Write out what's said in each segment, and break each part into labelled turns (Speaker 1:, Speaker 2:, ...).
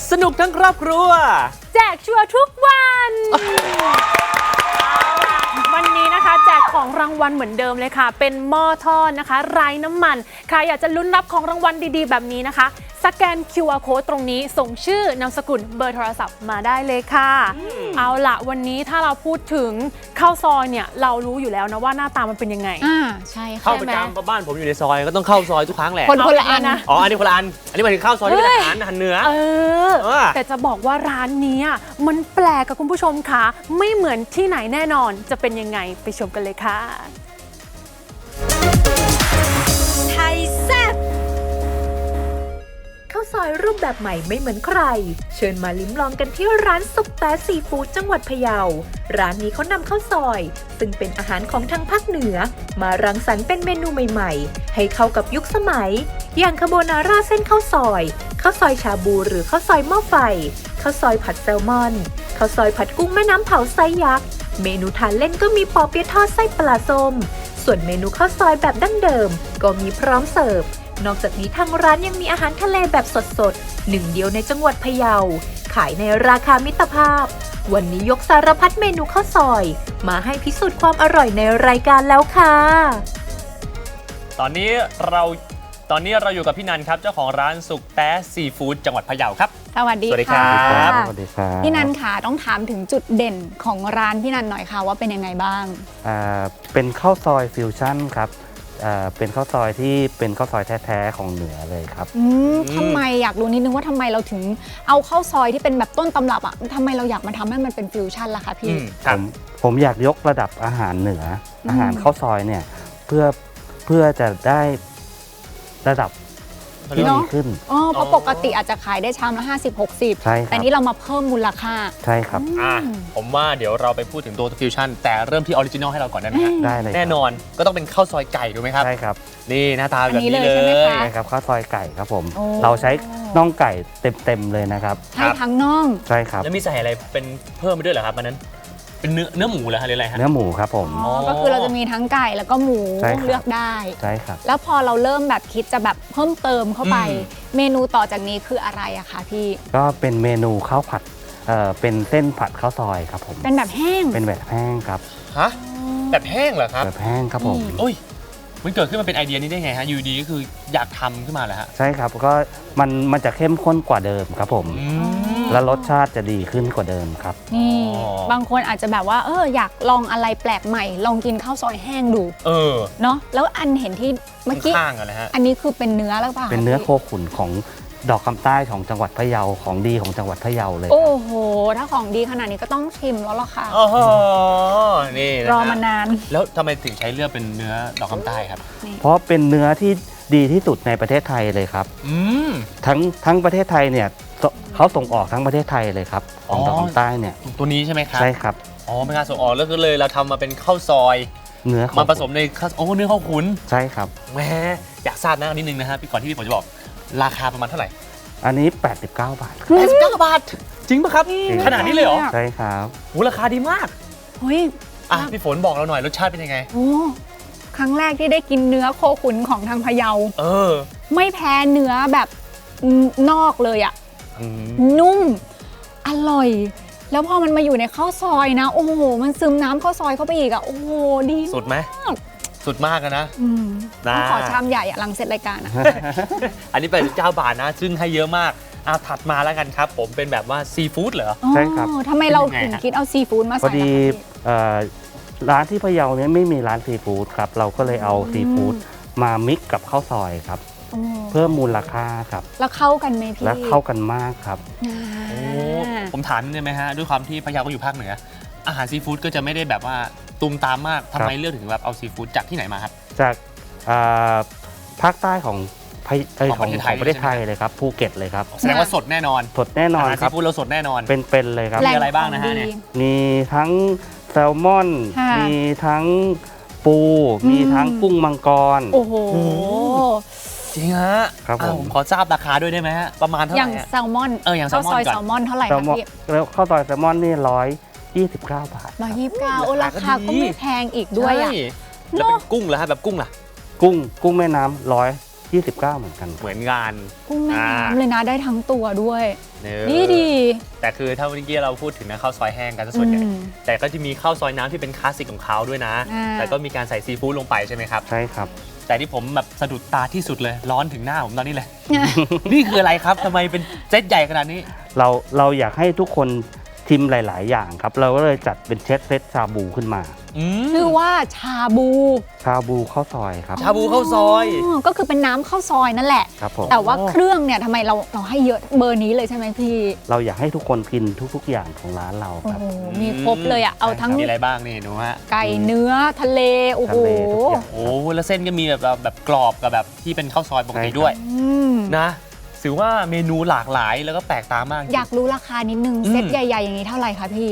Speaker 1: สนุกทั้งครอบครัว
Speaker 2: แจกชัวร์ทุกวันวันนี้นะคะแจกของรางวัลเหมือนเดิมเลยค่ะเป็นหม้อทอดนะคะไร้น้ำมันใครอยากจะลุ้นรับของรางวัลดีๆแบบนี้นะคะสแกน QR Code ตรงนี้ส่งชื่อนามสกุลเบอร์โทรศัพท์มาได้เลยค่ะเอาละวันนี้ถ้าเราพูดถึงข้าวซอยเนี่ยเรารู้อยู่แล้วนะว่าหน้าตามันเป็นยังไง
Speaker 3: ใช่ค่ะ
Speaker 1: เข้าประจำบ้านผมอยู่ในซอยก็ต้องเข้าซอยทุกครั้งแหละ
Speaker 3: คนละอันนะ
Speaker 1: อ๋ออันนี้คนละอันอันนี้หมายถึงข้าวซอยที่เป็นอาหารเนื้อ
Speaker 2: แต่จะบอกว่าร้านนี้มันแปลกกับคุณผู้ชมค่ะไม่เหมือนที่ไหนแน่นอนจะเป็นยังไงไปชมกันเลยค่ะ
Speaker 4: ไทยแซ่บข้าวซอยรูปแบบใหม่ไม่เหมือนใครเชิญมาลิ้มลองกันที่ร้านซุปแป๊ซีฟู้ดจังหวัดพะเยาร้านนี้เขานำข้าวซอยซึ่งเป็นอาหารของทางภาคเหนือมารังสรรค์เป็นเมนูใหม่ๆให้เข้ากับยุคสมัยอย่างคาโบนาร่าเส้นข้าวซอยข้าวซอยชาบูหรือข้าวซอยหม้อไฟข้าวซอยผัดแซลมอนข้าวซอยผัดกุ้งแม่น้ำเผาไซส์ยักษ์เมนูทานเล่นก็มีปอเปี๊ยะทอดไส้ปลาส้มส่วนเมนูข้าวซอยแบบดั้งเดิมก็มีพร้อมเสิร์ฟนอกจากนี้ทางร้านยังมีอาหารทะเลแบบสดๆหนึ่งเดียวในจังหวัดพะเยาขายในราคามิตรภาพวันนี้ยกสารพัดเมนูข้าวซอยมาให้พิสูจน์ความอร่อยในรายการแล้วค่ะ
Speaker 1: ตอนนี้เราอยู่กับพี่นันครับเจ้าของร้านสุกแต๊ซีฟู้ดจังหวัดพะเยาครับ
Speaker 3: สวัสดี
Speaker 1: ค่ะ
Speaker 5: สวัสดีครับ
Speaker 3: พี่นันค่ะต้องถามถึงจุดเด่นของร้านพี่นันหน่อยค่ะว่าเป็นยังไงบ้าง
Speaker 5: เป็นข้าวซอยฟิวชั่นครับเป็นข้าวซอยที่เป็นข้าวซอยแท้ๆของเหนือเลยครับ
Speaker 3: ทำไมอยากรู้นิดนึงว่าทำไมเราถึงเอาข้าวซอยที่เป็นแบบต้นตำรับทำไมเราอยากมาทำให้มันเป็นฟิวชั่นล่ะคะพี่
Speaker 5: ผมอยากยกระดับอาหารเหนืออาหารข้าวซอยเนี่ยเพื่อจะได้ระดับที่ดีขึ้น
Speaker 3: เพราะปกติอาจจะขายได้ชามละ50-60แต่นี้เรามาเพิ่มมูลค่า
Speaker 5: ใช่ครับ
Speaker 1: ผมว่าเดี๋ยวเราไปพูดถึงตัวฟิวชั่นแต่เริ่มที่ออริจินอลให้เราก่อนได้ไหมครับ
Speaker 5: ได้เลย
Speaker 1: แน่นอนก็ต้องเป็นข้าวซอยไก่ถูกไหมครับ
Speaker 5: ใช่ครับ
Speaker 1: นี่หน้าตาแบบนี้เลย
Speaker 5: ใช่ครับข้าวซอยไก่ครับผมเราใช้น่องไก่เต็มเลยนะครับ
Speaker 3: ใช่ทั้งน่อง
Speaker 5: ใช่ครับ
Speaker 1: แล้วมีใส่อะไรเป็นเพิ่มไปด้วยเหรอครับมันนั้นเป็นเนื้อหมูเหรอฮะหรืออะไรฮะ
Speaker 5: เนื้อหมูครับผม
Speaker 3: ก็คือเราจะมีทั้งไก่แล้วก็หมูเลือกได้
Speaker 5: ใช่ครับ
Speaker 3: แล้วพอเราเริ่มแบบคิดจะแบบเพิ่มเติมเข้าไปเมนูต่อจากนี้คืออะไรอะคะพี่
Speaker 5: ก็เป็นเมนูข้าวผัดเป็นเส้นผัดข้าวซอยครับผม
Speaker 3: เป็นแบบแห้ง
Speaker 5: เป็นแบบแห้งครับ
Speaker 1: ฮะแบบแห้งเหรอครับ
Speaker 5: แบบแห้งครับผม
Speaker 1: โอ้ยมันเกิดขึ้นมาเป็นไอเดียนี้ได้ไงฮะอยู่ดีก็คืออยากทำขึ้นมาเหรอฮะ
Speaker 5: ใช่ครับก็มันจะเข้มข้นกว่าเดิมครับผมและรสชาติจะดีขึ้นกว่าเดิมครับ
Speaker 3: นี่บางคนอาจจะแบบว่าอยากลองอะไรแปลกใหม่ลองกินข้าวซอยแห้งดูเนาะแล้วอันเห็นที่เมื่อกี้อันนี้คือเป็นเนื้อแล้วป่ะ
Speaker 5: เป็นเนื้อโคขุนของดอกคำใต้ของจังหวัดพะเยาของดีของจังหวัดพะเยาเลย
Speaker 3: โอ้โหถ้าของดีขนาดนี้ก็ต้องชิมแล้วล่ะค่ะ
Speaker 1: นี่
Speaker 3: รอมานาน
Speaker 1: แล้วทำไมถึงใช้เลือกเป็นเนื้อดอกคำใต้ครับ
Speaker 5: เพราะเป็นเนื้อที่ดีที่สุดในประเทศไทยเลยครับทั้งประเทศไทยเนี่ยเขาส่งออกทั้งประเทศไทยเลยครับของดอกคำใต้เนี่ย
Speaker 1: ตัวนี้ใช่ไหมครับ
Speaker 5: ใช่ครับ
Speaker 1: เป็นการส่งออกแล้วก็เลยเราทำมาเป็นข้าวซอย
Speaker 5: เนื้อ
Speaker 1: มาผสมในข้าวเนื้อข้าวขุน
Speaker 5: ใช่ครับ
Speaker 1: แหมอยากทราบนะนิดนึงนะฮะก่อนที่พี่ผมจะบอกราคาประมาณเท่าไหร่
Speaker 5: อันนี้89 บาท
Speaker 1: 89 บาทจริงป่ะครับขนาดนี้เลยเหรอ
Speaker 5: ใช่ครับ
Speaker 1: ราคาดีมาก
Speaker 3: เฮ้ย
Speaker 1: พี่ฝนบอกเราหน่อยรสชาติเป็นยังไง
Speaker 3: ครั้งแรกที่ได้กินเนื้อโคขุนของทางพะเยาไม่แพ้เนื้อแบบนอกเลยอ่ะนุ่มอร่อยแล้วพอมันมาอยู่ในข้าวซอยนะโอ้โหมันซึมน้ำข้าวซอยเข้าไปอีกอ่ะโอ้โหดี
Speaker 1: สุดไหมสุดมากนะ
Speaker 3: ต้องขอชามใหญ่หลังเสร็จรายการนะ
Speaker 1: อันนี้เป็น9 บาทนะซึ่งให้เยอะมากถัดมาแล้วกันครับผมเป็นแบบว่าซีฟู้ดเหรอ
Speaker 5: ใช่ครับ
Speaker 3: ทำไมเราถึงคิดเอาซีฟู้ดมาใส่
Speaker 5: พอดีร้านที่พะเยาเนี่ยไม่มีร้านซีฟู้ดครับเราก็เลยเอาซีฟู้ดมามิกกับข้าวซอยครับเพิ่มมูลค่าครับ
Speaker 3: แล้วเข้ากันไหมพี่
Speaker 5: แล้วเข้ากันมากครับ
Speaker 1: ผมถามได้ไหมฮะด้วยความที่พะเยาก็อยู่ภาคเหนืออาหารซีฟู้ดก็จะไม่ได้แบบว่าตุมตามมากทำไมเลือกถึงแบบเอาซีฟู้ดจากที่ไหนมาครับ
Speaker 5: จากภาคใต้ของประเทศไทยเลยครับภูเก็ตเลยครับ
Speaker 1: แสดงว่าสดแน่นอน
Speaker 5: สดแน่นอนครับ
Speaker 1: ซีฟู้ดเราสดแน่นอน
Speaker 5: เป็นเลยครับ
Speaker 1: มีอะไรบ้างนะฮะเนี่ย
Speaker 5: มีทั้งแซลมอนมีทั้งปูมีทั้งกุ้งมังกร
Speaker 3: โอ้โห
Speaker 1: จริงฮะ
Speaker 5: ครับผม
Speaker 1: ขอทราบราคาด้วยได้ไหมฮะประมาณเท่าไหร่
Speaker 3: อย่างแซลมอน
Speaker 1: อย่างแซลมอน
Speaker 3: ข้าวซอยแซลมอนเท่าไหร่ครับพี่
Speaker 5: แล้วข้าวซอยแซลมอนนี่129 บาท
Speaker 3: 129โอ้ราคาก็ไม่แพงอีกด้วยอ่ะ
Speaker 1: แล้วเป็นกุ้งเหรอฮะแบบกุ้งล่ะ
Speaker 5: กุ้งแม่น้ำ 29เหมือนกัน
Speaker 1: เหมือนงาน
Speaker 3: กุ้งแม่น้ำเลยนะได้ทั้งตัวด้วย
Speaker 1: เนื้อ
Speaker 3: ดีดี
Speaker 1: แต่คือถ้าเมื่อกี้เราพูดถึงนะข้าวซอยแห้งกันซะส่วนใหญ่
Speaker 3: อืม
Speaker 1: แต่ก็จะมีข้าวซอยน้ำที่เป็นคลาสสิกของเขาด้วยนะ
Speaker 3: อ่า
Speaker 1: แต่ก็มีการใส่ซีฟู้ดลงไปใช่ไหมครับ
Speaker 5: ใช่ครับ
Speaker 1: แต่ที่ผมแบบสะดุดตาที่สุดเลยร้อนถึงหน้าผมตอนนี้เลย นี่คืออะไรครับทำไมเป็นเซตใหญ่ขนาดนี้
Speaker 5: เราอยากให้ทุกคนชิมหลาย ๆ อย่างครับ เราก็เลยจัดเป็นเซตชาบูขึ้นมา
Speaker 3: ชื่อว่าชาบู
Speaker 5: ชาบูข้าวซอยครับ
Speaker 1: ชาบูข้าวซอย
Speaker 3: ก็คือเป็นน้ำข้าวซอยนั่นแหละ
Speaker 5: ครับผม
Speaker 3: แต่ว่าเครื่องเนี่ยทำไมเราให้เยอะเบอร์นี้เลยใช่ไหมพี่
Speaker 5: เราอยากให้ทุกคนกินทุก ๆ อย่างของร้านเรา
Speaker 3: โอ้
Speaker 5: ครับ
Speaker 3: โหมีครบเลยอ่ะเอาทั้ง
Speaker 1: มีอะไรบ้างนี่ดูฮะ
Speaker 3: ไก่เนื้อทะเลโอ้โห
Speaker 5: ทะเลทุกอย่าง
Speaker 1: โอ้แล้วเส้นก็มีแบบกรอบกับแบบที่เป็นข้าวซอยปกติด้วย
Speaker 3: อืม
Speaker 1: นะถือว่าเมนูหลากหลายแล้วก็แปลกตามากจริง
Speaker 3: อยากรู้ราคานิดนึง
Speaker 1: อืม
Speaker 3: เซตใหญ่ๆอย่างนี้เท่าไหร่คะพี่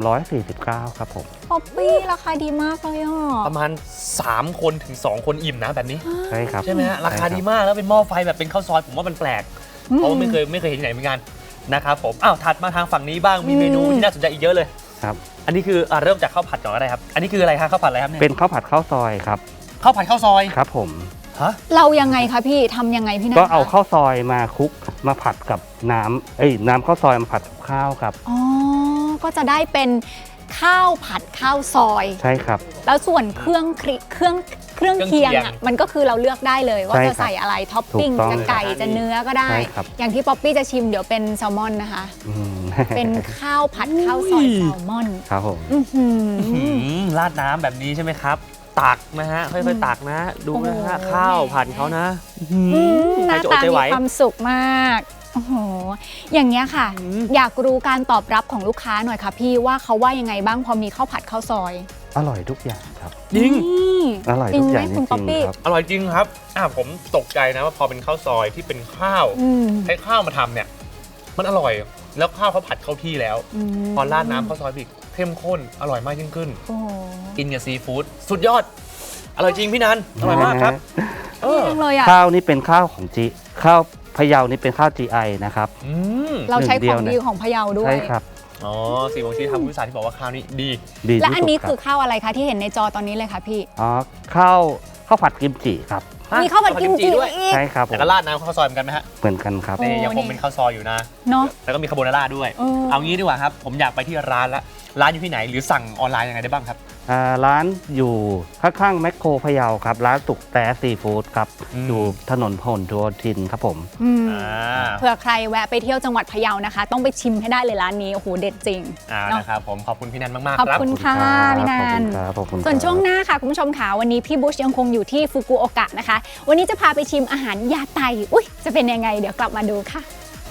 Speaker 5: 349ครับผม
Speaker 3: ป๊อปปี้ราคาดีมากเลยอ่ะ
Speaker 1: ประมาณ 3 คนถึง 2 คนอิ่มนะแบบนี้
Speaker 5: ใช่ครับ
Speaker 1: ใช่ไหมฮะราคา
Speaker 5: ใช่บ
Speaker 1: ดีมากแล้วเป็นหม้อไฟแบบเป็นข้าวซอยผมว่ามันแปลก เพราะว่าไม่เคยเห็นที่ไหนเหมือนกันนะครับผมอ้าวถัดมาทางฝั่งนี้บ้างมีเมนูที่น่าสนใจอีกเยอะเลย
Speaker 5: ครับ
Speaker 1: อันนี้คือเริ่มจากข้าวผัดก่อนก็ได้ครับ อันนี้คืออะไรฮะข้าวผัดอะไรครับเนี่ย
Speaker 5: เป็นข้าวผัดข้าวซอยครับ
Speaker 1: ข้าวผัดข้าวซอย
Speaker 5: ครับผม
Speaker 1: ฮะ
Speaker 3: เรายังไงคะพี่ทำยังไงพี่นัท
Speaker 5: ก็เอา
Speaker 3: คะ
Speaker 5: ข้าวซอยมาคลุกมาผัดกับน้ำข้าวซอยมาผัดกับข้าวครับ
Speaker 3: อ๋อก็จะได้เป็นข้าวผัดข้าวซอย
Speaker 5: ใช่ครับ
Speaker 3: แล้วส่วนเครื่องเคียงอ่ะมันก็คือเราเลือกได้เลยว่า
Speaker 5: ใช่ครับ
Speaker 3: จะใส่อะไรท็อปปิ้ง
Speaker 5: ถูกต้อง
Speaker 3: จะไก่จะเนื้อก็ได้
Speaker 5: ใช่ครับ
Speaker 3: อย่างที่ป๊อปปี้จะชิมเดี๋ยวเป็นแซลมอนนะคะ
Speaker 5: อืม
Speaker 3: เป็นข้าวผัดข้าวซอยแซลมอน
Speaker 5: ครับผม
Speaker 3: อื้อหือ
Speaker 1: ราดน้ำแบบนี้ใช่ไหมครับ ตักนะฮะค่อยๆตักนะ ดูนะฮะ
Speaker 3: โอ้โห
Speaker 1: ข้าวผัดเขานะ
Speaker 3: ห
Speaker 1: ใคร
Speaker 3: น้า
Speaker 1: จะอด
Speaker 3: ตา
Speaker 1: ใจ
Speaker 3: มี
Speaker 1: ไหว
Speaker 3: ความสุขมากโอ้โหอย่างเงี้ยค่ะ อยากรู้การตอบรับของลูกค้าหน่อยค่ะพี่ว่าเขาว่ายังไงบ้างพอมีข้าวผัดข้าวซอย
Speaker 5: อร่อยทุกอย่างครับ
Speaker 1: จริง
Speaker 3: นี่
Speaker 5: อร่อยทุกอย่าง
Speaker 3: จ
Speaker 5: จ
Speaker 3: ริงไหมคุณป๊อป
Speaker 5: ริง
Speaker 3: ปี้
Speaker 5: ๆครับ
Speaker 1: อร่อยจริงครับผมตกใจนะว่าพอเป็นข้าวซอยที่เป็นข้าว
Speaker 3: อืม
Speaker 1: ใช้ข้าวมาทำเนี่ย มันอร่อย แล้วข้าวเขาผัดเข้าที่แล้ว
Speaker 3: ม
Speaker 1: พอราดน้ำข้าวซอยอีกเข้มข้น อร่อยมากยิ่งขึ้น
Speaker 3: โอ้โห
Speaker 1: กินกับซีฟู้ดสุดยอด อร่อยจริงพี่นันอร่อยมากครับ
Speaker 3: ดีจังเลยอ่ะ
Speaker 5: ข้าวนี่เป็นข้าวของข้าวพะเยานี่เป็นข้าว GI นะครับ
Speaker 1: อืม
Speaker 3: เราใช้
Speaker 5: หนึ่งเดี
Speaker 3: ข
Speaker 5: ย
Speaker 3: อ
Speaker 5: ว
Speaker 3: ง
Speaker 5: นะ
Speaker 3: ดีของพะเยาด้วย
Speaker 5: ใช่ครับ
Speaker 1: อ๋อสีบงชี้ทำผู้สารที่บอกว่าข้าวนี้ดี
Speaker 5: ดี
Speaker 3: และ
Speaker 5: ที่
Speaker 3: อัน
Speaker 5: สุด
Speaker 3: นี้
Speaker 5: ครั
Speaker 3: คื
Speaker 5: บ
Speaker 3: อข้าวอะไรคะที่เห็นในจอตอนนี้เลยค่ะพี่
Speaker 5: อ๋อข้าวผัดกิมจิครับ
Speaker 3: มีข้าวผัดกิมจิ
Speaker 1: ด้วย
Speaker 3: อีก
Speaker 5: ใช่ครับผ
Speaker 1: แต่
Speaker 5: ม
Speaker 1: ก็ราดน้ำข้าวซอยเหมือนกันไหมฮะ
Speaker 5: เหมือนกันครับ
Speaker 3: โอ้
Speaker 1: นี่ยังคงเป็นข้าวซอยอยู่นะ
Speaker 3: เนาะ
Speaker 1: แล้วก็มีคาโบนาร่าด้วย
Speaker 3: เออ
Speaker 1: เอางี้ดีกว่าครับ ผมอยากไปที่ร้านละร้านอยู่ที่ไหนหรือสั่งออนไลน์ยังไงได้บ้างครับ
Speaker 5: ร้านอยู่ข้างๆแมคโครพะเยาครับ ร้านสุกแต่ซีฟู้ดครับ
Speaker 1: อืม
Speaker 5: อยู่ถนนพหลโยธินครับผม
Speaker 3: อืม
Speaker 1: อ่า
Speaker 3: เผื่อใครแวะไปเที่ยวจังหวัดพะเยานะคะ ต้องไปชิมให้ได้เลยร้านนี้ โอ้โห เด็ดจริง เนอะ
Speaker 1: นะครับผมขอบคุณพี่นันมาก
Speaker 3: ขอบ
Speaker 1: ๆครับ
Speaker 3: คุณค่ะ
Speaker 5: ขอบ
Speaker 3: พี่นั
Speaker 5: คุณ
Speaker 3: น
Speaker 5: ครับขอบคุณครับ
Speaker 3: ส่วนช่วงหน้าค่ะ คุณผู้ชมค่ะวันนี้พี่บุชยังคงอยู่ที่ฟุกุโอกะนะคะ วันนี้จะพาไปชิมอาหารยาไตอุ้ยจะเป็นยังไงเดี๋ยวกลับมาดูค่ะ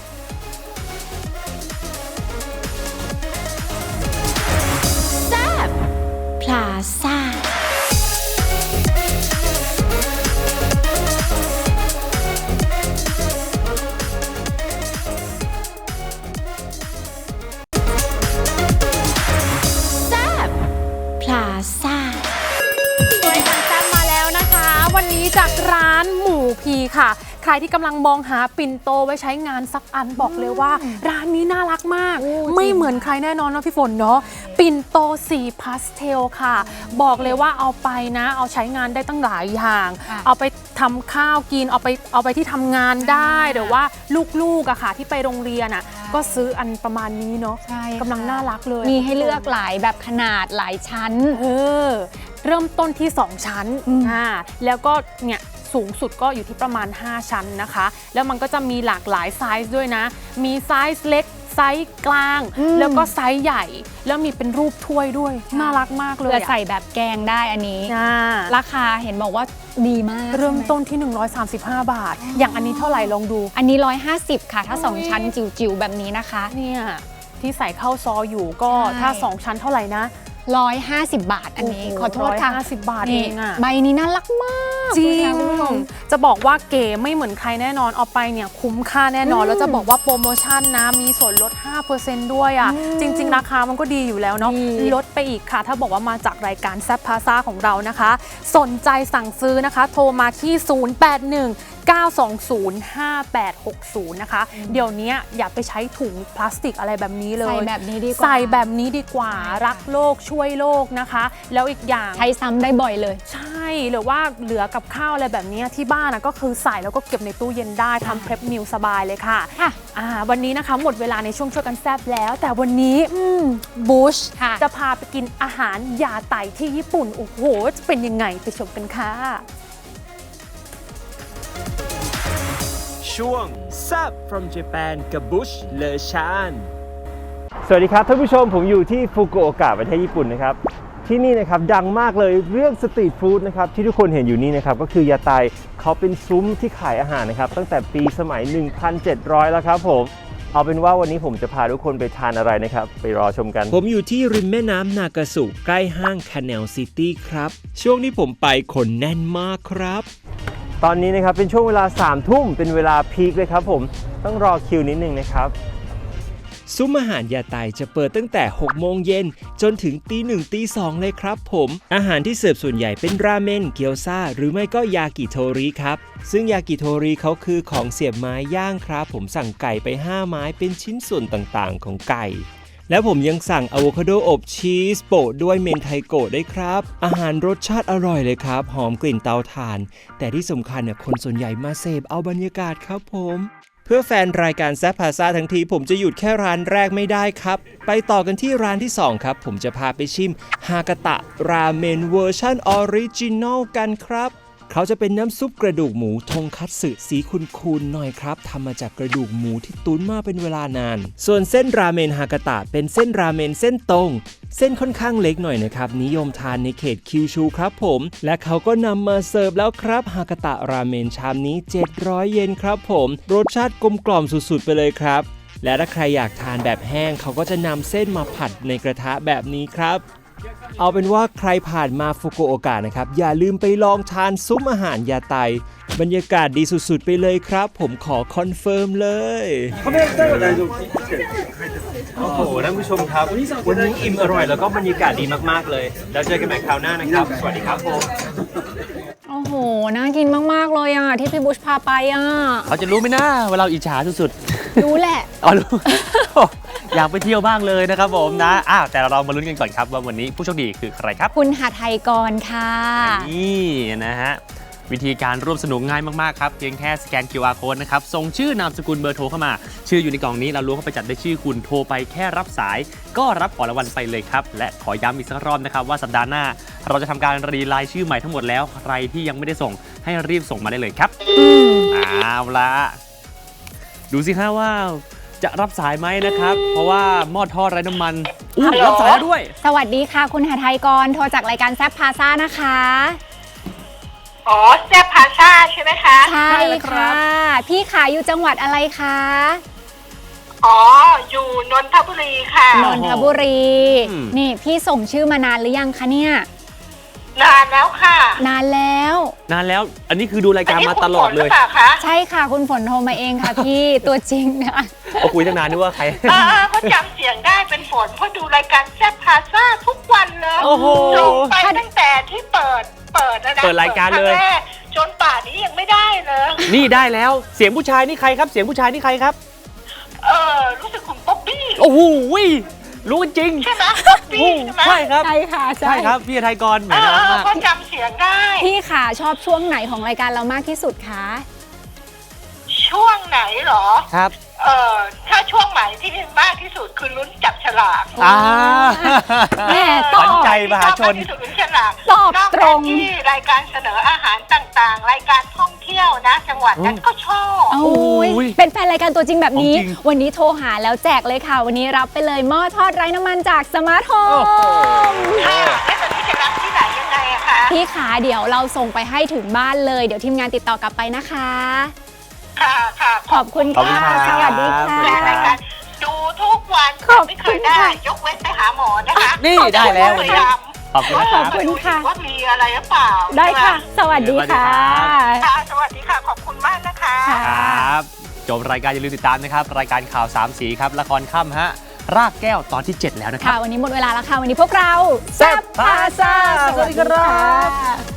Speaker 6: พลาซ่า พลาซ่า
Speaker 2: รายการแซ่บมาแล้วนะคะ วันนี้จากร้านหมูพีค่ะ ใครที่กำลังมองหาปิ่นโตไว้ใช้งานสักอันบอกเลยว่า ร้านนี้น่ารักมาก
Speaker 3: โอ้จริง
Speaker 2: ไม่เหมือนใครแน่นอนเนาะพี่ฝนเนาะปิ่นโตสีพาสเทลค่ะ บอกเลยว่าเอาไปนะ เอาใช้งานได้ตั้งหลายอย่าง
Speaker 3: ค่ะ
Speaker 2: เอาไปทำข้าวกินเอาไปที่ทำงานได้หรือว่าลูกๆอะค่ะที่ไปโรงเรียนอะก็ซื้ออันประมาณนี้เนาะ
Speaker 3: ใช่ค่ะ
Speaker 2: กำลังน่ารักเลย
Speaker 3: มีให้เลือกหลายแบบขนาดหลายชั้น
Speaker 2: เริ่มต้นที่ 2 ชั้น แล้วก็เนี่ยสูงสุดก็อยู่ที่ประมาณ 5 ชั้นนะคะ แล้วมันก็จะมีหลากหลายไซส์ด้วยนะ มีไซส์เล็กไซส์กลาง แล้วก็ไซส์ใหญ่ แล้วมีเป็นรูปถ้วยด้วย น่ารักมากเลย
Speaker 3: เพื่อ
Speaker 2: อะ
Speaker 3: ใส่แบบแกงได้อันนี้
Speaker 2: อ่า
Speaker 3: ราคาเห็นบอกว่าดีมาก
Speaker 2: เริ่ม
Speaker 3: ใช่ไห
Speaker 2: ต้นที่ 135 บาท อย่างอันนี้เท่าไหร่ลองดู
Speaker 3: อันนี้ 150 ค่ะ ถ้า 2 ชั้นจิ๋วๆ แบบนี้นะคะ
Speaker 2: เนี่ยที่ใส่ข้าวซอยอยู่ก็
Speaker 3: ใช่
Speaker 2: ถ้า 2 ชั้นเท่าไหร่นะ
Speaker 3: 150 บาทอันนี้
Speaker 2: โอ้โห
Speaker 3: ขอโทษค่ะ
Speaker 2: 150 บาท
Speaker 3: นี่
Speaker 2: เองอะ
Speaker 3: ใบนี้น่ารักมาก
Speaker 2: จริง
Speaker 3: คุณผู้ชม
Speaker 2: จะบอกว่าเก๋ไม่เหมือนใครแน่นอนเอาไปเนี่ยคุ้มค่าแน่นอน แล้วจะบอกว่าโปรโมชั่นนะมีส่วนลด 5% ด้วยอ่ะ จริง ๆ ราคามันก็ดีอยู่แล้วเนาะ
Speaker 3: ดี
Speaker 2: ลดไปอีกค่ะ ถ้าบอกว่ามาจากรายการแซ p พาซาของเรานะคะ สนใจสั่งซื้อนะคะ โทรมาที่ 081 09205860 นะคะเดี๋ยวนี้อย่าไปใช้ถุงพลาสติกอะไรแบบนี้เลย
Speaker 3: ใส่แบบนี้ดีกว่า
Speaker 2: ใส่แบบนี้ดีกว่ารักโลกช่วยโลกนะคะ แล้วอีกอย่าง
Speaker 3: ใช้ซ้ำได้บ่อยเลย
Speaker 2: ใช่หรือว่าเหลือกับข้าวอะไรแบบนี้ที่บ้านก็คือใส่แล้วก็เก็บในตู้เย็นได้ทำเพรสมิลสบายเลยค่ะ
Speaker 3: ค่ะ
Speaker 2: วันนี้นะคะหมดเวลาในช่วงช่วยกันแซ่บแล้ว แต่วันนี้บูช
Speaker 3: ค่ะ
Speaker 2: จะพาไปกินอาหารยาไตที่ญี่ปุ่นโอ้โหจะเป็นยังไงไปชมกันค่ะ
Speaker 7: ช่วง Zap from Japan กับบุชเลชาน
Speaker 8: สวัสดีครับท่านผู้ชมผมอยู่ที่ฟุกุโอกะประเทศญี่ปุ่นนะครับที่นี่นะครับดังมากเลยเรื่องสตรีทฟู้ดนะครับที่ทุกคนเห็นอยู่นี่นะครับก็คือยาไตเขาเป็นซุ้มที่ขายอาหารนะครับตั้งแต่ปีสมัย 1700 แล้วครับผมเอาเป็นว่าวันนี้ผมจะพาทุกคนไปทานอะไรนะครับไปรอชมกัน
Speaker 7: ผมอยู่ที่ริมแม่น้ำนากาสุใกล้ห้าง Canal City ครับช่วงที่ผมไปคนแน่นมากครับ
Speaker 8: ตอนนี้นะครับเป็นช่วงเวลา 3 ทุ่มเป็นเวลาพีคเลยครับผมต้องรอคิวนิดนึงนะครับ
Speaker 7: ซุ้มอาหารยาไตจะเปิดตั้งแต่ 6 โมงเย็นจนถึงตี 1 ตี 2 เลยครับผมอาหารที่เสิร์ฟส่วนใหญ่เป็นราเมนเกี๊ยวซ่าหรือไม่ก็ยากิโทริครับซึ่งยากิโทริเขาคือของเสียบไม้ย่างครับผมสั่งไก่ไป 5 ไม้เป็นชิ้นส่วนต่างๆของไก่และผมยังสั่งอะโวคาโดอบชีสโปะด้วยเมนไทโกะได้วยครับอาหารรสชาติอร่อยเลยครับหอมกลิ่นเตาถ่านแต่ที่สำคัญเนี่ยคนส่วนใหญ่มาเสพเอาบรรยากาศครับผมเพื่อแฟนรายการแซ่บพาซ่าทั้งทีผมจะหยุดแค่ร้านแรกไม่ได้ครับไปต่อกันที่ร้านที่ 2 ครับผมจะพาไปชิมฮากาตะราเมนเวอร์ชันออริจินอลกันครับเขาจะเป็นน้ำซุปกระดูกหมูทงคัตสึสีขุ่นๆหน่อยครับทำมาจากกระดูกหมูที่ตุ๋นมาเป็นเวลานานส่วนเส้นราเมนฮากาตะเป็นเส้นราเมนเส้นตรงเส้นค่อนข้างเล็กหน่อยนะครับนิยมทานในเขตคิวชูครับผมและเขาก็นำมาเสิร์ฟแล้วครับฮากาตะราเมนชามนี้700 เยนครับผมรสชาติกลมกล่อมสุดๆไปเลยครับและถ้าใครอยากทานแบบแห้งเขาก็จะนำเส้นมาผัดในกระทะแบบนี้ครับเอาเป็นว่าใครผ่านมาฟุกุโอกะนะครับอย่าลืมไปลองทานซุ้มอาหารยาไตบรรยากาศดีสุดๆไปเลยครับผมขอคอนเฟิร์มเลย
Speaker 8: โอ้โหท่านผู้ชมครับวันนี้อิ่มอร่อยแล้วก็บรรยากาศดีมากๆเลยแล้วเจอกันใหม่คราวหน้านะครับสวัสดีครับผม
Speaker 3: โอ้โหน่ากินมากๆเลยที่พี่บุชพาไป
Speaker 1: เขาจะรู้ไหมนะว่าเราอิจฉาสุดๆ
Speaker 3: รู้แหละ
Speaker 1: อ๋อรู้ อยากไปเที่ยวบ้างเลยนะครับผมนะแต่เรามาลุ้นกันก่อนครับว่าวันนี้ผู้โชคดีคือใครครับ
Speaker 3: คุณหาไทยกรค่ะ
Speaker 1: นี่นะฮะวิธีการร่วมสนุกง่ายมากๆครับเพียงแค่สแกน QR code นะครับส่งชื่อนามสกุลเบอร์โทรเข้ามาชื่ออยู่ในกล่องนี้เราล้วงเข้าไปจัดได้ชื่อคุณโทรไปแค่รับสายก็รับของรางวัลไปเลยครับและขอย้ำอีกสักรอบนะครับว่าสัปดาห์หน้าเราจะทำการรีไลน์ชื่อใหม่ทั้งหมดแล้วใครที่ยังไม่ได้ส่งให้รีบส่งมาได้เลยครับเอาละดูสิฮะว่าจะรับสายไหมนะครับเพราะว่าหม้อทอดไร้น้ำมันรับสายแล้วด้วย
Speaker 3: สวัสดีค่ะคุณหาไทยกรโทรจากรายการแซ่บพาซ่านะคะ
Speaker 9: อ๋อแซ่บพาซ่าใช่ไหมคะ
Speaker 3: ใช่ค่ะพี่ขายอยู่จังหวัดอะไรคะ
Speaker 9: อ๋ออยู่นนทบุรีค่ะ
Speaker 3: นนทบุรีนี่พี่ส่งชื่อมานานหรือยังคะเนี่ย
Speaker 9: นานแล้วค่ะ
Speaker 3: นานแล้ว
Speaker 1: อันนี้คือดูรายการมาตลอดเลย
Speaker 3: ใช่ค่ะคุณฝนโทรมาเองค่ะพี่ตัวจริงนะ
Speaker 1: ก็คุยตั้งนานนึกว่าใคร
Speaker 9: เขาจำเสียงได้เป็นฝนเพราะดูรายการแซ่บพาซ่าทุกวันเลยส่งไปตั้งแต่ที่เปิด
Speaker 1: รายการเลย
Speaker 9: จนป่านนี้ยังไม่ได้เลย
Speaker 1: นี่ได้แล้วเสียงผู้ชายนี่ใครครับเสียงผู้ชายนี่ใครครับ
Speaker 9: รู้สึกคุณป๊อปปี้
Speaker 1: โอ้โหรู้จริง
Speaker 9: ใช่ไหมป๊อปปี้ใช่ไหม
Speaker 1: ใช่ครับ
Speaker 3: ใช่ค่ะ
Speaker 1: ใช่ครับพี่ไทยกรเหมือนกันมาก
Speaker 9: เขาจำเสียงได้
Speaker 3: พี่ค่ะชอบช่วงไหนของรายการเรามากที่สุดคะ
Speaker 9: ช่วงไหนหรอ
Speaker 1: ครับ
Speaker 9: ถ้าช่วงไหนที่มากที่สุดคือลุ้นจับฉลาก
Speaker 3: แม่ตอบ
Speaker 1: ใจมหาชน
Speaker 9: ที่สุดลุ้นฉลาก
Speaker 3: ตอบตรง
Speaker 9: ที่รายการเสนออาหารต่างๆรายการท่องเที่ยวนะจังหวัดนั้นก็ชอบ
Speaker 3: เป็นแฟนรายการตัวจริงแบบนี้วันนี้โทรหาแล้วแจกเลยค่ะวันนี้รับไปเลยหม้อทอดไร้น้ำมันจากสมาร์ทโฮม
Speaker 9: ค่ะแล้วตอนนี้จะรับที่ไหนยังไงอะคะ
Speaker 3: พี่ขาเดี๋ยวเราส่งไปให้ถึงบ้านเลยเดี๋ยวทีมงานติดต่อกลับไปนะคะ
Speaker 9: ค่ะ
Speaker 3: ขอบคุณค่ะสวัสดีค่ะ
Speaker 9: รายการดูทุกวันไม่เคยได้ยกเว้นไปหาหมอนะคะ
Speaker 1: นี่ได้แล้ว
Speaker 9: ขอบคุณค่ะว่ามีอะไรหรือเปล่า
Speaker 3: ได้ค่ะสวัสดีค่ะ
Speaker 9: สวัสดีค่ะขอบคุณมากนะคะ
Speaker 1: ครับจบรายการอย่าลืมติดตามนะครับรายการข่าว3สีครับละครค่ำฮะรากแก้วตอนที่7แล้วนะครับ
Speaker 3: วันนี้หมดเวลาแล้วค่ะวันนี้พวกเรา
Speaker 1: แซ่บพาซ่าสวัสดีครับ